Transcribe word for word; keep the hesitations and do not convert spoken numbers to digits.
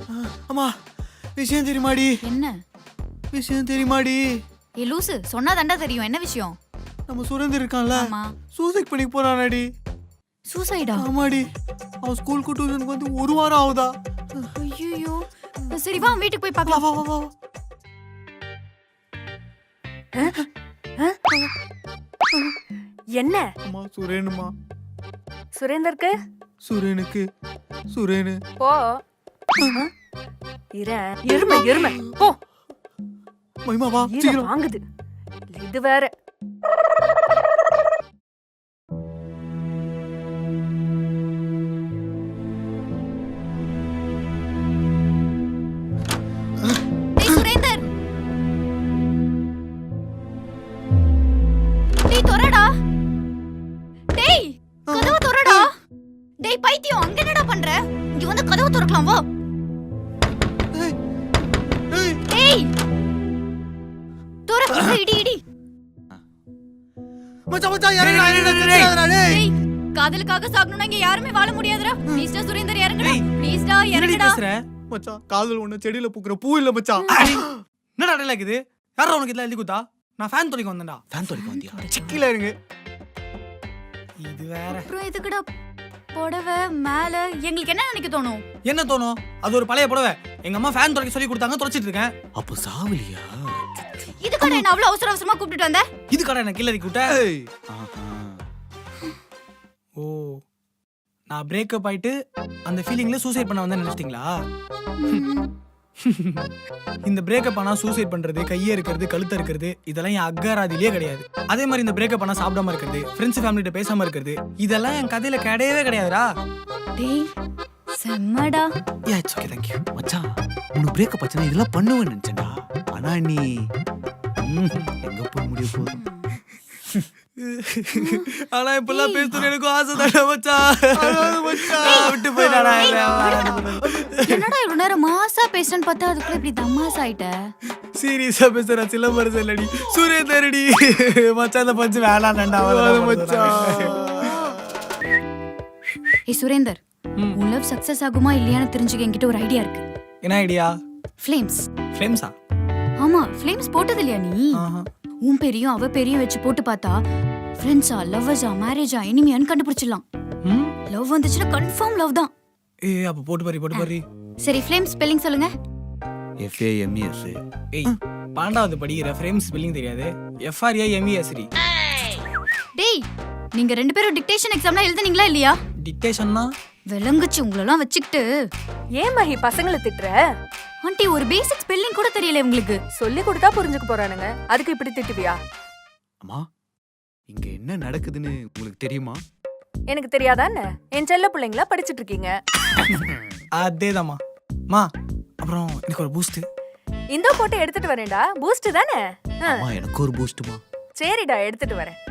அம்மா விஷயம் தெரியுமாடி? என்ன விஷயம் தெரியுமாடி? ஏ லூசு, சொன்னா தாண்டா தெரியும். என்ன விஷயம்? நம்ம சுரேந்தர் இருக்கான்ல, ஆமா. சூசைட் பண்ணி போறானாடி. சூசைடா? ஆமாடி. அவன் ஸ்கூலுக்கு டியூஷனுக்கு வந்து ஒரு வாரம் ஆகுதா. ஐயோ, சரி வா வீட்டுக்கு போய் வா பார்க்கலாம். வா வா வா. என்ன அம்மா சுரேனுமா. சுரேந்தருக்கு சுரேனுக்கு சுரேனு. போ இர எருமை எருமை போ. மைமா வா ஈர சீக்கிரம். வாங்குது இது வேற. டேய் சுரேந்தர், டேய் தொறடா. டேய் கதவு தொறடா. டேய் பைத்தியம், அங்க என்னடா பண்ற? இங்க வந்து கதவு திறக்கலாம் வா. ஏய் ஏய் டேய் தொற. இடி இடி. மச்சான் மச்சான் இறங்குடா இறங்குடா தெரியாதடா டேய். டேய் காதலுக்காக சாகணும்னா இங்க யாருமே வாழ முடியாதுடா. ப்ளீஸ் டா சுரேந்தர் இறங்குடா. ப்ளீஸ் டா இறங்குடா. மச்சான் காதல் ஒண்ணு செடியில பூக்குற பூ இல்ல மச்சான். என்னடா டேல இருக்குது? யாரோ உனக்கு இதெல்லாம் எழுதி கொடுத்தா? நான் ஃபேன் தொலைக்க வந்தேன்டா. ஃபேன் தொலைக்க வந்தியா? சிக்கில இருங்க. இது வேற. அப்புறம் எதுக்குடா புடவை மேல? எங்களுக்கு என்ன நினைக்க தோணும்? என்ன தோணும்? அது ஒரு பழைய புடவை. எங்க அம்மா ஃபேன் தொலைக்க சொல்லி கொடுத்தாங்க, தொலைச்சிட்டு இருக்கேன். அப்ப சாவலியா? இதுக்கான என்ன அவ்வளவு அவசர அவசரமா கூப்பிட்டு வந்த? இது கடை என்ன கில்லரி கூட்ட? ஏய் ஆஹா. ஓ, நான் பிரேக்கப் ஆயிட்டு அந்த ஃபீலிங்ல சூசைட் பண்ண வந்தேன்னு நினைச்சிட்டீங்களா? இந்த பிரேக்கப் ஆனா சூசைட் பண்றது, கையை இருக்கிறது, கழுத்த இருக்கிறது, இதெல்லாம் என் அக்காராதிலேயே கிடையாது. அதே மாதிரி இந்த பிரேக்கப் ஆனா சாப்பிடாம இருக்கிறது, ஃப்ரெண்ட்ஸ் ஃபேமிலிட்ட பேசாம இருக்கிறது, இதெல்லாம் என் கதையில கிடையவே கிடையாதுடா. டேய் செம்மடா. Yeah it's okay thank you. மச்சான் உனக்கு பிரேக்கப் ஆச்சுனா இதெல்லாம் பண்ணுவேன்னு நினைச்சேன்டா. ஆனா நீ ம், எங்க போய் முடிய போகுது? ஆனா இப்பெல்லாம் பேசணும் எனக்கு ஆசை தானே மச்சான். மச்சான் விட்டு போயிட்டாடா. என்னடா இவ்வளவு நேரம் மாசா பேசுறேன்னு பார்த்தா அதுக்குள்ள இப்படி தம்மாஸ் ஆயிட்ட. சீரியஸா பேசுற சிலம்பரசன் இல்லடி, சுரேந்தரடி. மச்சான் இந்த பஞ்சு வேணாண்டா மச்சான். ஏய் சுரேந்தர், உன் லவ் சக்சஸ் ஆகுமா இல்லையான்னு தெரிஞ்சுக்க என்கிட்ட ஒரு ஐடியா இருக்கு. என்ன ஐடியா? ஃப்ளேம்ஸ். ஃப்ளேம்ஸா? ஆமா, ஃப்ளேம்ஸ் போட்டது இல்லையா நீ? உன் பேரையும் அவ பேரையும் வச்சு போட்டு பார்த்தா ஃப்ரெண்ட்ஸா, லவ்வர்ஸா, மேரேஜா, எனிமியான்னு கண்டுபிடிச்சிடலாம். லவ் வந்துச்சுன்னா கன்ஃபார்ம் லவ் தான். ஏய் அப்ப போட்டு பாரு, போட்டு பாரு. சரி ஃப்ளேம் ஸ்பெல்லிங் சொல்லுங்க. F A M E S. ஏய் பன்னெண்டாவது படிக்கிற ஃப்ரேம்ஸ் ஸ்பெல்லிங் தெரியாது? F R A M E S T. டேய் நீங்க ரெண்டு பேரும் டிக்டேஷன் எக்ஸாம்லாம் எழுதுனீங்களா இல்லையா? டிக்டேஷன்னா விளங்குச்சு உங்களெல்லாம் வச்சுக்கிட்டு. ஏன் மகி பசங்களை திட்டுற? ஆண்டி ஒரு பேசிக் ஸ்பெல்லிங் கூட தெரியல உங்களுக்கு. சொல்லி கொடுத்தா புரிஞ்சுக்க போறானுங்க, அதுக்கு இப்படி திட்டுவியா? அம்மா இங்க என்ன நடக்குதுன்னு உங்களுக்கு தெரியுமா? எனக்கு தெரியாதா என்ன? என் செல்ல பிள்ளைங்களா படிச்சிட்டு இருக்கீங்க. அதேதாம்மா. மா அப்புறம் எனக்கு ஒரு பூஸ்ட். இந்த போட்டு எடுத்துட்டு வரேன்டா. பூஸ்ட் தானே? அம்மா எனக்கு ஒரு பூஸ்ட்மா. சரிடா எடுத்துட்டு வரேன்.